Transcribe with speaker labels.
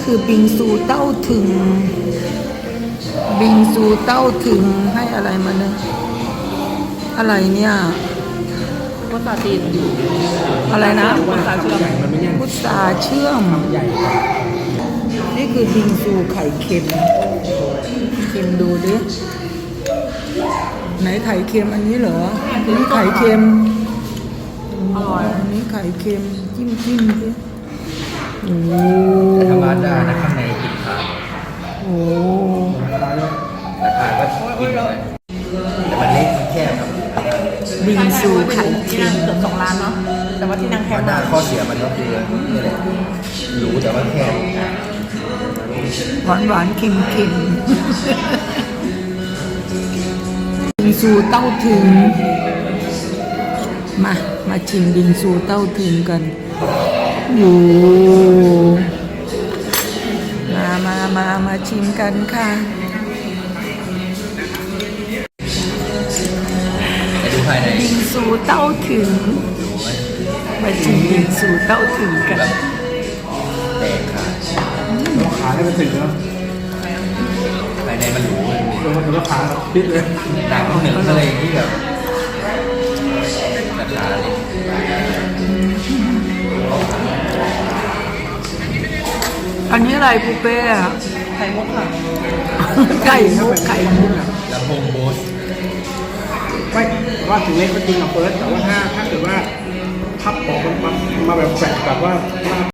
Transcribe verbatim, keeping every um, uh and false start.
Speaker 1: คือบิงซูเต้าถึงบิงซูเต้าถึงให้อะไรมาเนี่ยอะไรเนี่ย
Speaker 2: พุทราจีน
Speaker 1: อะไรนะ
Speaker 2: พุทราเชื่อม
Speaker 1: พุทราเชื่อมนี่คือบิงซูไข่เค็มชิมดูดิไหนไข่เค็มอันนี้เหรออันนี้ไข่เค็ม
Speaker 2: อร่อย
Speaker 1: อันนี้ไข่เค็มจิ้มจิ้มดิโอ้
Speaker 3: ธรรมดานะข้างในกินขาด
Speaker 1: โอ้
Speaker 3: ราคาก็กินหน่อยแต่มันเล็กมันแคบครับ
Speaker 1: บิงซูไข่
Speaker 2: ที่
Speaker 1: เค็
Speaker 2: นั่ง
Speaker 1: ม
Speaker 2: เกือบสองล้านเนาะแต่ว่าที่นั่งแค
Speaker 3: ธรร
Speaker 2: บ
Speaker 3: มดาข้อเสียมันก็คือนี่แหละหรูแต่ว่าแคบ
Speaker 1: หวานหวานเค็มเค็มบิงซูเต้าถึงมามาชิมบิงซูเต้าถึงกันโอ้มามามามาชิมกันค่ะ
Speaker 3: ไปดูภายใน
Speaker 1: บิงซูเต้าถึงมาชิมบิงซูเต้าถึงกัน
Speaker 3: แตกขาด
Speaker 4: ราคาให้มันถึงแล้ว
Speaker 3: ภายในมันหรูมันมี
Speaker 4: ลงมาถึงราคาพิษเลย
Speaker 3: หนังหนึ่งอะไรที่แบบราคาเลย
Speaker 1: อันนี้อะไรปูเป้อะ
Speaker 2: ไข่มุกค่ะ
Speaker 1: ไก่มุกไก่มุก
Speaker 3: ลำโพงโบส
Speaker 4: ไม่ว่าถึงเล็กก็จริงอะเฟิร์สแต่ว่าถ้าถ้าเกิดว่าพับออกมันมาแบบแฝงแบบว่า